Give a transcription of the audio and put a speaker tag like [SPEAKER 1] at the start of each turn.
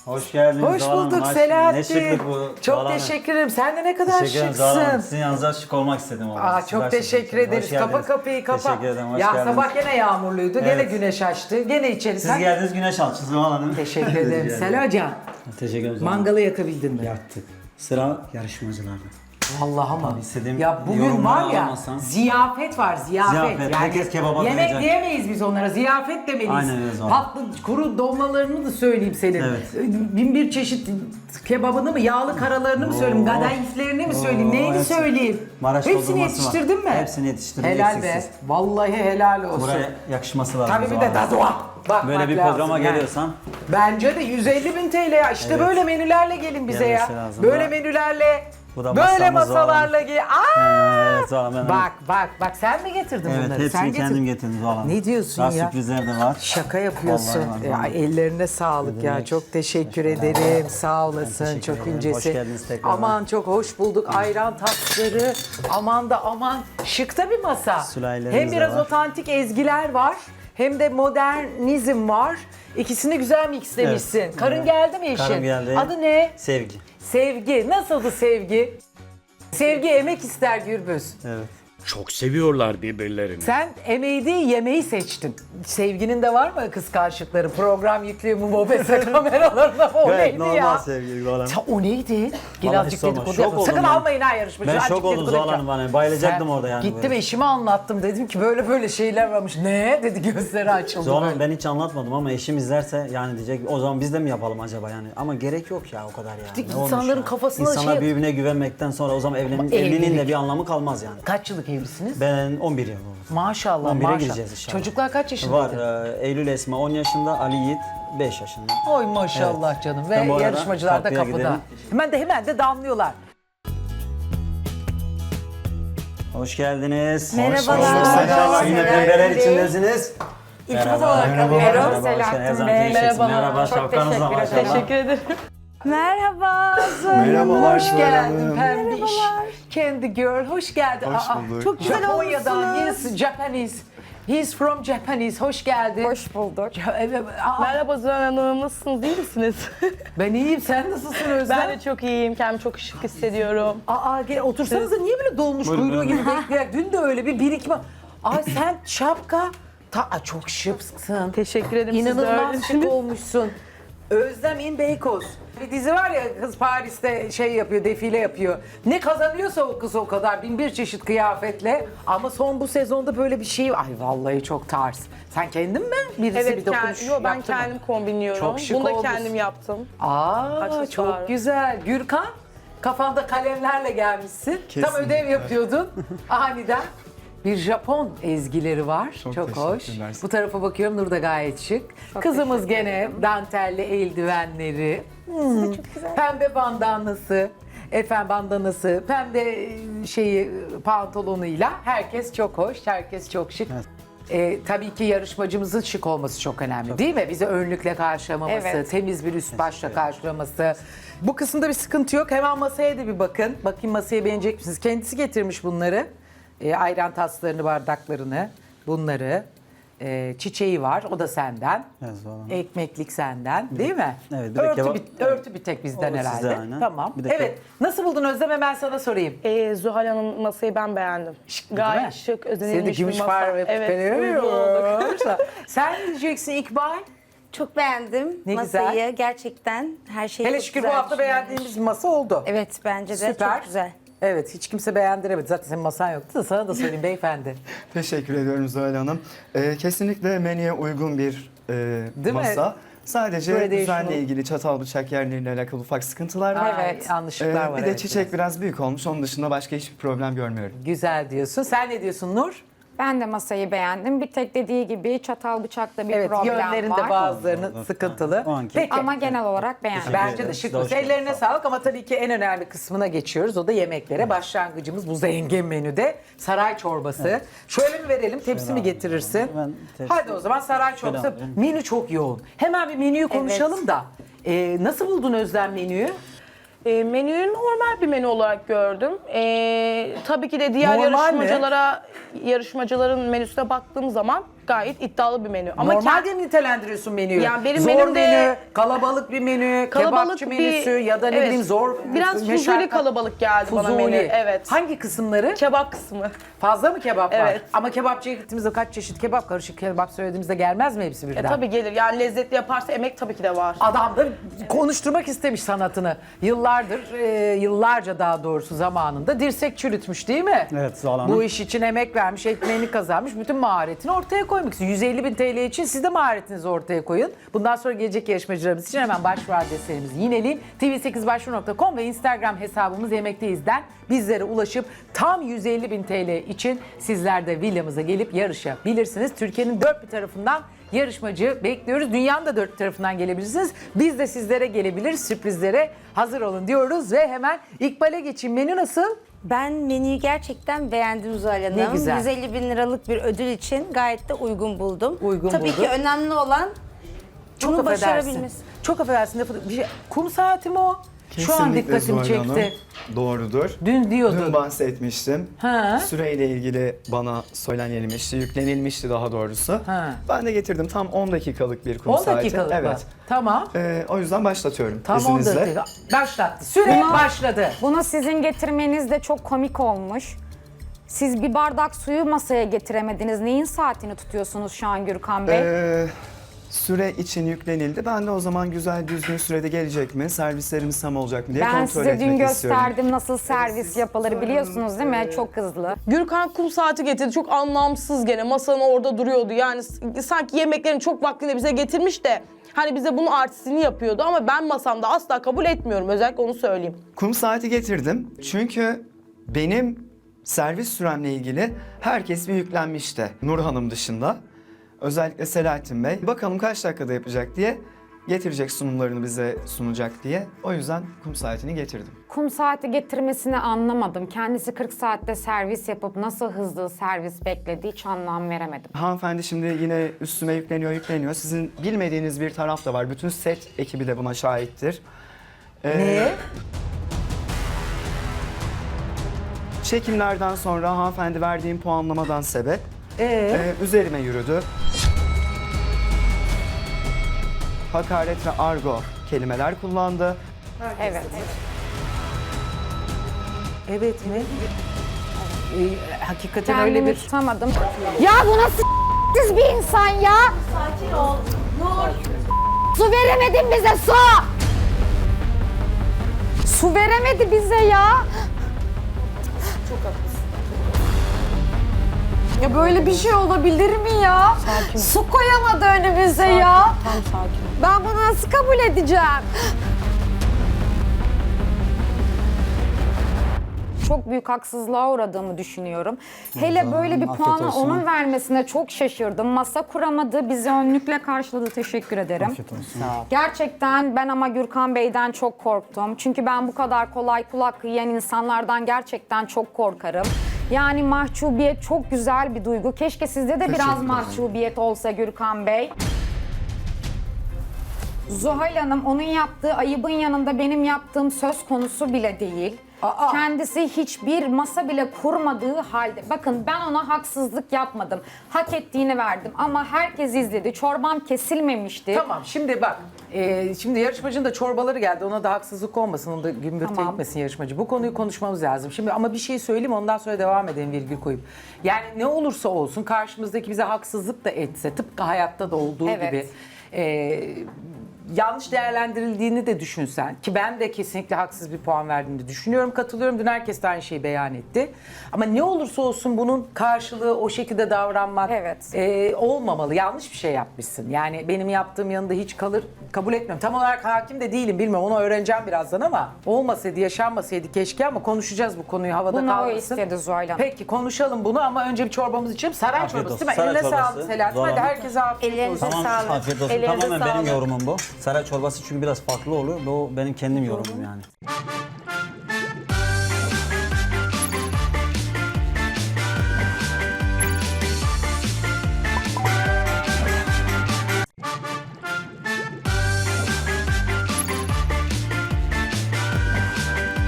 [SPEAKER 1] Hoş geldiniz.
[SPEAKER 2] Hoş
[SPEAKER 1] Zuhal Hanım.
[SPEAKER 2] bulduk
[SPEAKER 1] Ne
[SPEAKER 2] Selahattin.
[SPEAKER 1] şıklık bu.
[SPEAKER 2] Çok
[SPEAKER 1] Zuhal Hanım.
[SPEAKER 2] teşekkür ederim. Sen de ne kadar
[SPEAKER 1] Teşekkür ederim Zuhal Hanım.
[SPEAKER 2] şıksın.
[SPEAKER 1] Sizin yanınıza şık olmak istedim.
[SPEAKER 2] Aa, çok teşekkür ederiz. Kapa kapıyı kapa.
[SPEAKER 1] Teşekkür ederim. Hoş
[SPEAKER 2] ya
[SPEAKER 1] geldiniz.
[SPEAKER 2] sabah gene yağmurluydu. Gene
[SPEAKER 1] Evet.
[SPEAKER 2] güneş açtı. Gene içeri.
[SPEAKER 1] Siz geldiniz güneş altı Zuhal Hanım.
[SPEAKER 2] Teşekkür ederim. Selacan.
[SPEAKER 1] Teşekkür ederim. Zuhal Hanım.
[SPEAKER 2] Mangalı yakabildin mi?
[SPEAKER 1] Yaktık. Sıra yarışmacılarda.
[SPEAKER 2] Vallahi ama.
[SPEAKER 1] Tabii istediğim
[SPEAKER 2] Ya bugün
[SPEAKER 1] yorumları
[SPEAKER 2] var ya
[SPEAKER 1] alamazsam-
[SPEAKER 2] ziyafet var ziyafet.
[SPEAKER 1] Ziyafet, herkes kebaba
[SPEAKER 2] yemek
[SPEAKER 1] doyacak.
[SPEAKER 2] diyemeyiz biz onlara, ziyafet demeliyiz.
[SPEAKER 1] Aynen öyle zaten.
[SPEAKER 2] Tatlı kuru dolmalarını da söyleyeyim senin.
[SPEAKER 1] Evet.
[SPEAKER 2] Bin bir çeşit kebabını mı, yağlı karalarını mı söyleyeyim, kadayıflerini mi söyleyeyim, neyini
[SPEAKER 1] hepsi.
[SPEAKER 2] söyleyeyim.
[SPEAKER 1] Maraş
[SPEAKER 2] Hepsini
[SPEAKER 1] doldurması
[SPEAKER 2] yetiştirdin mi?
[SPEAKER 1] var. Hepsini yetiştirdim,
[SPEAKER 2] Helal be.
[SPEAKER 1] eksiksiz.
[SPEAKER 2] Vallahi helal olsun.
[SPEAKER 1] Buraya yakışması lazım.
[SPEAKER 2] Tabii bir
[SPEAKER 1] Zuhal
[SPEAKER 2] de
[SPEAKER 1] Hanım.
[SPEAKER 2] dazuğa. Bakmak
[SPEAKER 1] Böyle bir
[SPEAKER 2] lazım
[SPEAKER 1] programa
[SPEAKER 2] yani.
[SPEAKER 1] geliyorsan
[SPEAKER 2] Bence de 150 bin TL ya. İşte
[SPEAKER 1] Evet.
[SPEAKER 2] böyle menülerle gelin bize
[SPEAKER 1] Gelmesi
[SPEAKER 2] ya.
[SPEAKER 1] lazım.
[SPEAKER 2] Böyle
[SPEAKER 1] Bu-
[SPEAKER 2] menülerle,
[SPEAKER 1] bu da
[SPEAKER 2] böyle
[SPEAKER 1] masamız
[SPEAKER 2] masalarla gel. Aa!
[SPEAKER 1] Evet Zuhal Hanım.
[SPEAKER 2] Bak sen mi getirdin
[SPEAKER 1] Evet
[SPEAKER 2] bunları?
[SPEAKER 1] hepsini
[SPEAKER 2] Sen
[SPEAKER 1] kendim getirdim Zuhal Hanım.
[SPEAKER 2] Ne diyorsun
[SPEAKER 1] Daha
[SPEAKER 2] ya?
[SPEAKER 1] sürprizler de var.
[SPEAKER 2] Şaka yapıyorsun.
[SPEAKER 1] Vallahi
[SPEAKER 2] Ya,
[SPEAKER 1] var.
[SPEAKER 2] ellerine sağlık ya.
[SPEAKER 1] demek?
[SPEAKER 2] Çok teşekkür ederim. Sağ olasın.
[SPEAKER 1] teşekkür
[SPEAKER 2] Çok
[SPEAKER 1] ederim.
[SPEAKER 2] incesi.
[SPEAKER 1] Hoş geldiniz tekrar.
[SPEAKER 2] Aman çok hoş bulduk. Ayran tatlıları. Aman da aman. Şıkta bir masa.
[SPEAKER 1] Sülahilerimiz
[SPEAKER 2] Hem
[SPEAKER 1] de
[SPEAKER 2] biraz
[SPEAKER 1] var.
[SPEAKER 2] otantik ezgiler var. Hem de modernizm var. İkisini güzel mixlemişsin.
[SPEAKER 1] Evet.
[SPEAKER 2] Karın
[SPEAKER 1] Evet.
[SPEAKER 2] geldi mi eşin?
[SPEAKER 1] Karım geldi.
[SPEAKER 2] Adı ne?
[SPEAKER 1] Sevgi.
[SPEAKER 2] Sevgi. Nasıldı Sevgi? Sevgi emek ister Gürbüz.
[SPEAKER 1] Evet.
[SPEAKER 3] Çok seviyorlar birbirlerini.
[SPEAKER 2] Sen emeği değil yemeği seçtin. Sevginin de var mı kıskançlıkları? Program yüklüyor mu mobese kameralarına? O
[SPEAKER 1] Evet
[SPEAKER 2] neydi
[SPEAKER 1] normal
[SPEAKER 2] ya?
[SPEAKER 1] sevgi Zuhal Hanım.
[SPEAKER 2] O neydi? Gel
[SPEAKER 1] Vallahi
[SPEAKER 2] azıcık
[SPEAKER 1] hiç sorma.
[SPEAKER 2] dedikodu
[SPEAKER 1] Şok
[SPEAKER 2] yapma.
[SPEAKER 1] oldum
[SPEAKER 2] Sakın
[SPEAKER 1] ben.
[SPEAKER 2] almayın ha yarışmacı.
[SPEAKER 1] Ben
[SPEAKER 2] Azıcık
[SPEAKER 1] şok oldum
[SPEAKER 2] dedikodu
[SPEAKER 1] Zuhal
[SPEAKER 2] yapacağım.
[SPEAKER 1] Hanım, bayılacaktım orada yani
[SPEAKER 2] Gittim
[SPEAKER 1] böyle.
[SPEAKER 2] eşime anlattım. Dedim ki böyle böyle şeyler varmış. Ne? Dedi gözleri açıldı.
[SPEAKER 1] Zuhal
[SPEAKER 2] böyle.
[SPEAKER 1] Hanım ben hiç anlatmadım ama eşim izlerse yani diyecek o zaman biz de mi yapalım acaba yani. Ama gerek yok ya o kadar ya. Ne olmuş
[SPEAKER 2] İnsanların
[SPEAKER 1] ya?
[SPEAKER 2] kafasına
[SPEAKER 1] İnsanlar
[SPEAKER 2] şey-
[SPEAKER 1] birbirine güvenmekten sonra o zaman evliliğin
[SPEAKER 2] evlilik.
[SPEAKER 1] de bir anlamı kalmaz yani.
[SPEAKER 2] Kaç yıllık evlisiniz?
[SPEAKER 1] Ben 11 yıl oldu.
[SPEAKER 2] Maşallah
[SPEAKER 1] 11'e
[SPEAKER 2] maşallah.
[SPEAKER 1] gireceğiz inşallah.
[SPEAKER 2] Çocuklar kaç yaşında?
[SPEAKER 1] Var Eylül Esma 10 yaşında, Ali Yiğit 5 yaşında.
[SPEAKER 2] Oy maşallah canım.
[SPEAKER 1] Ben bu
[SPEAKER 2] Ve
[SPEAKER 1] arada
[SPEAKER 2] yarışmacılar da
[SPEAKER 1] kapıya
[SPEAKER 2] kapıda.
[SPEAKER 1] gidelim.
[SPEAKER 2] Hemen de damlıyorlar.
[SPEAKER 1] Hoş geldiniz.
[SPEAKER 4] Merhabalar.
[SPEAKER 1] İnşallah yine
[SPEAKER 4] Merhaba.
[SPEAKER 1] pembeler içindesiniz.
[SPEAKER 4] İltifat olarak
[SPEAKER 1] Merhaba.
[SPEAKER 4] alıyorum.
[SPEAKER 1] Merhaba.
[SPEAKER 4] Selahattin
[SPEAKER 1] Her zaman
[SPEAKER 4] Bey.
[SPEAKER 1] teşekkür Merhaba. Şapkanızla maşallah.
[SPEAKER 4] Teşekkür ederim. Merhaba.
[SPEAKER 5] Merhabalar
[SPEAKER 2] Hoş
[SPEAKER 5] Zuhal
[SPEAKER 2] geldin
[SPEAKER 5] Hanım.
[SPEAKER 2] Pembiş. Candy Girl, hoş geldin.
[SPEAKER 5] Hoş bulduk.
[SPEAKER 2] Çok güzel Japonya'dan,
[SPEAKER 4] olmuşsunuz.
[SPEAKER 2] he's Japanese. He's from Japanese, hoş geldin.
[SPEAKER 4] Hoş bulduk.
[SPEAKER 6] Merhaba Zuhal Hanım, nasılsınız, iyi misiniz?
[SPEAKER 2] Ben iyiyim, sen nasılsın Özlem?
[SPEAKER 6] Ben de çok iyiyim, kendimi çok şık hissediyorum.
[SPEAKER 2] Gel otursanıza, niye böyle dolmuş kuyruğu gibi bekleyen? Dün de öyle bir birikme. Sen şapka, çok şıksın.
[SPEAKER 6] Teşekkür ederim, siz de
[SPEAKER 2] İnanılmaz
[SPEAKER 6] öylesiniz.
[SPEAKER 2] şık olmuşsun. Özlem in Beykoz. Bir dizi var ya, kız Paris'te şey yapıyor, defile yapıyor. Ne kazanıyorsa o kız o kadar, bin bir çeşit kıyafetle. Ama son bu sezonda böyle bir şey, ay vallahi çok tarz. Sen kendin mi? Birisi
[SPEAKER 6] Evet,
[SPEAKER 2] bir dokunuş
[SPEAKER 6] ben
[SPEAKER 2] yaptı mı?
[SPEAKER 6] kendim kombinliyorum.
[SPEAKER 2] Çok şık
[SPEAKER 6] Bunu da
[SPEAKER 2] olmuşsun.
[SPEAKER 6] kendim yaptım.
[SPEAKER 2] Aa, çok
[SPEAKER 6] Aksesuar.
[SPEAKER 2] güzel. Gürkan, kafanda kalemlerle gelmişsin. Tam
[SPEAKER 5] Kesinlikle.
[SPEAKER 2] ödev yapıyordun. Aniden. Bir Japon ezgileri var. Çok hoş.
[SPEAKER 5] teşekkürler.
[SPEAKER 2] Bu tarafa bakıyorum, Nur da gayet şık. Kızımız gene dantelli eldivenleri. Pembe bandanası. Bandanası, pembe pantolonuyla. Herkes çok hoş, herkes çok şık. Tabii ki yarışmacımızın şık olması çok önemli değil mi? Bizi önlükle karşılamaması,
[SPEAKER 4] Evet.
[SPEAKER 2] temiz bir üst başla karşılaması. Bu kısımda bir sıkıntı yok. Hemen masaya da bir bakın. Bakayım masaya beğenecek misiniz? Kendisi getirmiş bunları. Ayran taslarını, bardaklarını, bunları. Çiçeği var, o da senden.
[SPEAKER 1] Evet, Zuhal Hanım.
[SPEAKER 2] Ekmeklik senden, değil mi?
[SPEAKER 1] Evet, bir de kebap-
[SPEAKER 2] örtü bir tek bizden
[SPEAKER 1] O
[SPEAKER 2] herhalde.
[SPEAKER 1] sizde aynen.
[SPEAKER 2] Tamam.
[SPEAKER 1] Bir de
[SPEAKER 2] Evet. Nasıl buldun Özlem? Hemen sana sorayım.
[SPEAKER 6] Zuhal Hanım masayı ben beğendim.
[SPEAKER 2] Değil mi?
[SPEAKER 6] Gayet şık,
[SPEAKER 2] Senin de
[SPEAKER 6] özenilmiş bir
[SPEAKER 2] gümüş
[SPEAKER 6] masa.
[SPEAKER 2] var ve
[SPEAKER 6] Evet, uygun olduk.
[SPEAKER 2] Sen ne diyeceksin İkbal?
[SPEAKER 4] Çok beğendim
[SPEAKER 2] Ne
[SPEAKER 4] masayı.
[SPEAKER 2] güzel.
[SPEAKER 4] Gerçekten her şey
[SPEAKER 2] Hele
[SPEAKER 4] çok
[SPEAKER 2] şükür bu
[SPEAKER 4] güzel
[SPEAKER 2] hafta
[SPEAKER 4] düşünülmüş.
[SPEAKER 2] beğendiğimiz masa oldu.
[SPEAKER 4] Evet bence de
[SPEAKER 2] Süper.
[SPEAKER 4] çok güzel.
[SPEAKER 2] Evet, hiç kimse beğendiremedi. Zaten senin masan yoktu da sana da söyleyeyim beyefendi.
[SPEAKER 5] Teşekkür ediyorum Zuhal Hanım. Kesinlikle menüye uygun bir
[SPEAKER 2] mi?
[SPEAKER 5] masa. Sadece
[SPEAKER 2] Traditional.
[SPEAKER 5] düzenle ilgili çatal bıçak yerleriyle alakalı ufak sıkıntılar var.
[SPEAKER 2] Evet, yanlışlıklar var.
[SPEAKER 5] Bir de
[SPEAKER 2] evet,
[SPEAKER 5] çiçek biraz büyük olmuş. Onun dışında başka hiçbir problem görmüyorum.
[SPEAKER 2] Güzel diyorsun. Sen ne diyorsun Nur?
[SPEAKER 7] Ben de masayı beğendim. Bir tek dediği gibi çatal bıçakta bir
[SPEAKER 2] Evet,
[SPEAKER 7] problem
[SPEAKER 2] yönlerinde
[SPEAKER 7] var.
[SPEAKER 2] bazılarının sıkıntılı.
[SPEAKER 1] O anki-
[SPEAKER 2] Peki.
[SPEAKER 7] Ama genel olarak beğendim.
[SPEAKER 2] Bence de
[SPEAKER 1] ederiz.
[SPEAKER 2] şık.
[SPEAKER 1] Hoş
[SPEAKER 2] Ellerine
[SPEAKER 1] geldiniz.
[SPEAKER 2] sağlık ama tabii ki en önemli kısmına geçiyoruz. O da yemeklere. Başlangıcımız bu zengin menüde. Saray çorbası. Şöyle mi verelim? Tepsi mi getirirsin?
[SPEAKER 1] Ben tepsi-
[SPEAKER 2] Hadi o zaman saray çorbası.
[SPEAKER 1] alayım.
[SPEAKER 2] Menü çok yoğun. Hemen bir menüyü konuşalım da. Nasıl buldun Özlem menüyü?
[SPEAKER 6] Menüyü normal bir menü olarak gördüm. Tabii ki de diğer
[SPEAKER 2] Normal mi?
[SPEAKER 6] yarışmacaların menüsüne baktığım zaman gayet iddialı bir menü. Ama
[SPEAKER 2] Normalde mi nitelendiriyorsun menüyü?
[SPEAKER 6] Yani benim
[SPEAKER 2] zor
[SPEAKER 6] menümde-
[SPEAKER 2] menü, kalabalık bir menü, kebapçı menüsü ya da ne
[SPEAKER 6] evet,
[SPEAKER 2] bileyim zor
[SPEAKER 6] biraz
[SPEAKER 2] meşakkatli-
[SPEAKER 6] fuzuli kalabalık geldi bana
[SPEAKER 2] Fuzuli.
[SPEAKER 6] menü. Evet.
[SPEAKER 2] Hangi kısımları?
[SPEAKER 6] Kebap kısmı.
[SPEAKER 2] Fazla mı kebap var?
[SPEAKER 6] Evet.
[SPEAKER 2] Ama kebapçıya gittiğimizde kaç çeşit kebap, karışık kebap söylediğimizde gelmez mi hepsi birden?
[SPEAKER 6] Tabii gelir. Yani lezzetli yaparsa emek tabii ki de var.
[SPEAKER 2] Adam da konuşturmak istemiş sanatını. Yıllardır, yıllarca daha doğrusu zamanında dirsek çürütmüş değil mi?
[SPEAKER 1] Evet, Zuhal Hanım.
[SPEAKER 2] Bu iş için emek vermiş, ekmeğini kazanmış, bütün maharetini ortaya koymak istiyor. 150.000 TL için siz de maharetinizi ortaya koyun. Bundan sonra gelecek yarışmacılarımız için hemen başvuru adreslerimizi yineleyin. tv8başvuru.com ve Instagram hesabımız Yemekteyiz'den bizlere ulaşıp tam 150.000 TL için sizler de villamıza gelip yarışabilirsiniz. Türkiye'nin dört bir tarafından yarışmacı bekliyoruz. Dünyanın da dört bir tarafından gelebilirsiniz. Biz de sizlere gelebiliriz. Sürprizlere hazır olun diyoruz ve hemen İkbal'e geçeyim. Menü nasıl?
[SPEAKER 4] Ben menüyü gerçekten beğendim Zuhal Hanım.
[SPEAKER 2] Ne güzel.
[SPEAKER 4] 150 bin liralık bir ödül için gayet de uygun buldum.
[SPEAKER 2] Uygun
[SPEAKER 4] Tabii
[SPEAKER 2] buldun.
[SPEAKER 4] ki önemli olan bunu
[SPEAKER 2] affedersin.
[SPEAKER 4] başarabilmesi.
[SPEAKER 2] Çok affedersin. Kum saati mi o? Şu an
[SPEAKER 5] Kesinlikle
[SPEAKER 2] dikkatimi
[SPEAKER 5] Zuhal Hanım.
[SPEAKER 2] çekti.
[SPEAKER 5] Doğrudur.
[SPEAKER 2] Dün diyordun.
[SPEAKER 5] Dün bahsetmiştim.
[SPEAKER 2] Ha.
[SPEAKER 5] Süreyle ilgili bana söylenilmişti, yüklenilmişti daha doğrusu.
[SPEAKER 2] Ha.
[SPEAKER 5] Ben de getirdim tam 10 dakikalık bir kum
[SPEAKER 2] 10
[SPEAKER 5] saati.
[SPEAKER 2] dakikalık mı?
[SPEAKER 5] Evet.
[SPEAKER 2] Tamam.
[SPEAKER 5] O yüzden başlatıyorum
[SPEAKER 2] Tam 10
[SPEAKER 5] izninizle.
[SPEAKER 2] dakika. Başlattı. Süre
[SPEAKER 7] Bunu-
[SPEAKER 2] başladı.
[SPEAKER 7] Bunu sizin getirmeniz de çok komik olmuş. Siz bir bardak suyu masaya getiremediniz. Neyin saatini tutuyorsunuz şu an Gürkan Bey?
[SPEAKER 5] Süre için yüklenildi. Ben de o zaman güzel düzgün sürede gelecek mi, servislerimiz tam olacak mı diye
[SPEAKER 7] Ben
[SPEAKER 5] kontrol
[SPEAKER 7] size
[SPEAKER 5] etmek
[SPEAKER 7] dün
[SPEAKER 5] istiyorum.
[SPEAKER 7] gösterdim nasıl servis yapılır biliyorsunuz değil mi? Çok hızlı.
[SPEAKER 6] Gürkan kum saati getirdi. Çok anlamsız gene. Masanın orada duruyordu. Yani sanki yemeklerin çok vaktinde bize getirmiş de hani bize bunun artistini yapıyordu ama ben masamda asla kabul etmiyorum. Özellikle onu söyleyeyim.
[SPEAKER 5] Kum saati getirdim çünkü benim servis süremle ilgili herkes bir yüklenmişti. Nur Hanım dışında. Özellikle Selahattin Bey. Bakalım kaç dakikada yapacak diye, getirecek sunumlarını bize sunacak diye. O yüzden kum saatini getirdim.
[SPEAKER 7] Kum saati getirmesini anlamadım. Kendisi 40 saatte servis yapıp nasıl hızlı servis beklediği hiç anlam veremedim.
[SPEAKER 5] Hanımefendi şimdi yine üstüme yükleniyor. Sizin bilmediğiniz bir taraf da var. Bütün set ekibi de buna şahittir.
[SPEAKER 2] Ne?
[SPEAKER 5] Çekimlerden sonra hanımefendi verdiğim puanlamadan sebep üzerime yürüdü. Hakaret ve argo kelimeler kullandı.
[SPEAKER 7] Evet.
[SPEAKER 2] Evet mi? Hakikaten öyle
[SPEAKER 7] Kendimi
[SPEAKER 2] bir...
[SPEAKER 7] tutamadım. Ya bu nasıl siz bir insan ya?
[SPEAKER 4] Sakin ol. Nur.
[SPEAKER 7] Su veremedin bize su! Su veremedi bize ya.
[SPEAKER 6] Çok haklısın.
[SPEAKER 7] Ya böyle bir şey olabilir mi ya?
[SPEAKER 6] Sakin ol.
[SPEAKER 7] Su koyamadı önümüze ya.
[SPEAKER 6] Tam sakin ol.
[SPEAKER 7] Ben bunu nasıl kabul edeceğim? Çok büyük haksızlığa uğradığımı düşünüyorum. Hele böyle bir
[SPEAKER 1] afiyet
[SPEAKER 7] puanı
[SPEAKER 1] olsun.
[SPEAKER 7] onun vermesine çok şaşırdım. Masa kuramadı, bizi önlükle karşıladı. Teşekkür ederim.
[SPEAKER 1] Afiyet olsun.
[SPEAKER 7] Gerçekten ben ama Gürkan Bey'den çok korktum. Çünkü ben bu kadar kolay kulak yiyen insanlardan gerçekten çok korkarım. Yani mahcubiyet çok güzel bir duygu. Keşke sizde de biraz
[SPEAKER 5] ederim.
[SPEAKER 7] mahcubiyet olsa Gürkan Bey. Zuhal Hanım onun yaptığı ayıbın yanında benim yaptığım söz konusu bile değil.
[SPEAKER 2] Aa!
[SPEAKER 7] Kendisi hiçbir masa bile kurmadığı halde. Bakın ben ona haksızlık yapmadım. Hak ettiğini verdim ama herkes izledi. Çorbam kesilmemişti.
[SPEAKER 2] Tamam şimdi bak. Şimdi yarışmacının da çorbaları geldi. Ona da haksızlık olmasın. Onu da gümbürtü
[SPEAKER 7] Tamam.
[SPEAKER 2] etmesin yarışmacı. Bu konuyu konuşmamız lazım. Şimdi ama bir şey söyleyeyim ondan sonra devam edelim virgül koyup. Yani ne olursa olsun karşımızdaki bize haksızlık da etse tıpkı hayatta da olduğu
[SPEAKER 7] Evet.
[SPEAKER 2] gibi yanlış değerlendirildiğini de düşünsen ki ben de kesinlikle haksız bir puan verdiğini düşünüyorum, katılıyorum. Dün herkes de aynı şeyi beyan etti. Ama ne olursa olsun bunun karşılığı o şekilde davranmak
[SPEAKER 7] Evet.
[SPEAKER 2] olmamalı. Yanlış bir şey yapmışsın. Yani benim yaptığım yanında hiç kabul etmiyorum. Tam olarak hakim de değilim bilmiyorum. Onu öğreneceğim birazdan ama olmasaydı, yaşanmasaydı keşke ama konuşacağız bu konuyu havada
[SPEAKER 7] Bunu o
[SPEAKER 2] kalmasın.
[SPEAKER 7] istedi Zuhal Hanım.
[SPEAKER 2] Peki konuşalım bunu ama önce bir çorbamız içelim. Saray
[SPEAKER 1] Afiyet
[SPEAKER 2] çorbası
[SPEAKER 1] olsun.
[SPEAKER 2] değil mi?
[SPEAKER 1] Saray
[SPEAKER 2] Eline
[SPEAKER 1] çorbası.
[SPEAKER 2] sağlık Selahattin.
[SPEAKER 1] Zuhal
[SPEAKER 2] Hadi
[SPEAKER 1] Hanım.
[SPEAKER 2] herkese afiyet
[SPEAKER 4] Ellerinize
[SPEAKER 2] olsun.
[SPEAKER 7] Sağlık.
[SPEAKER 1] Afiyet olsun.
[SPEAKER 4] Ellerinize
[SPEAKER 1] Tamamen benim
[SPEAKER 4] sağlık.
[SPEAKER 1] yorumum bu. Saray çorbası çünkü biraz farklı oluyor. Bu benim kendim yorumum yani.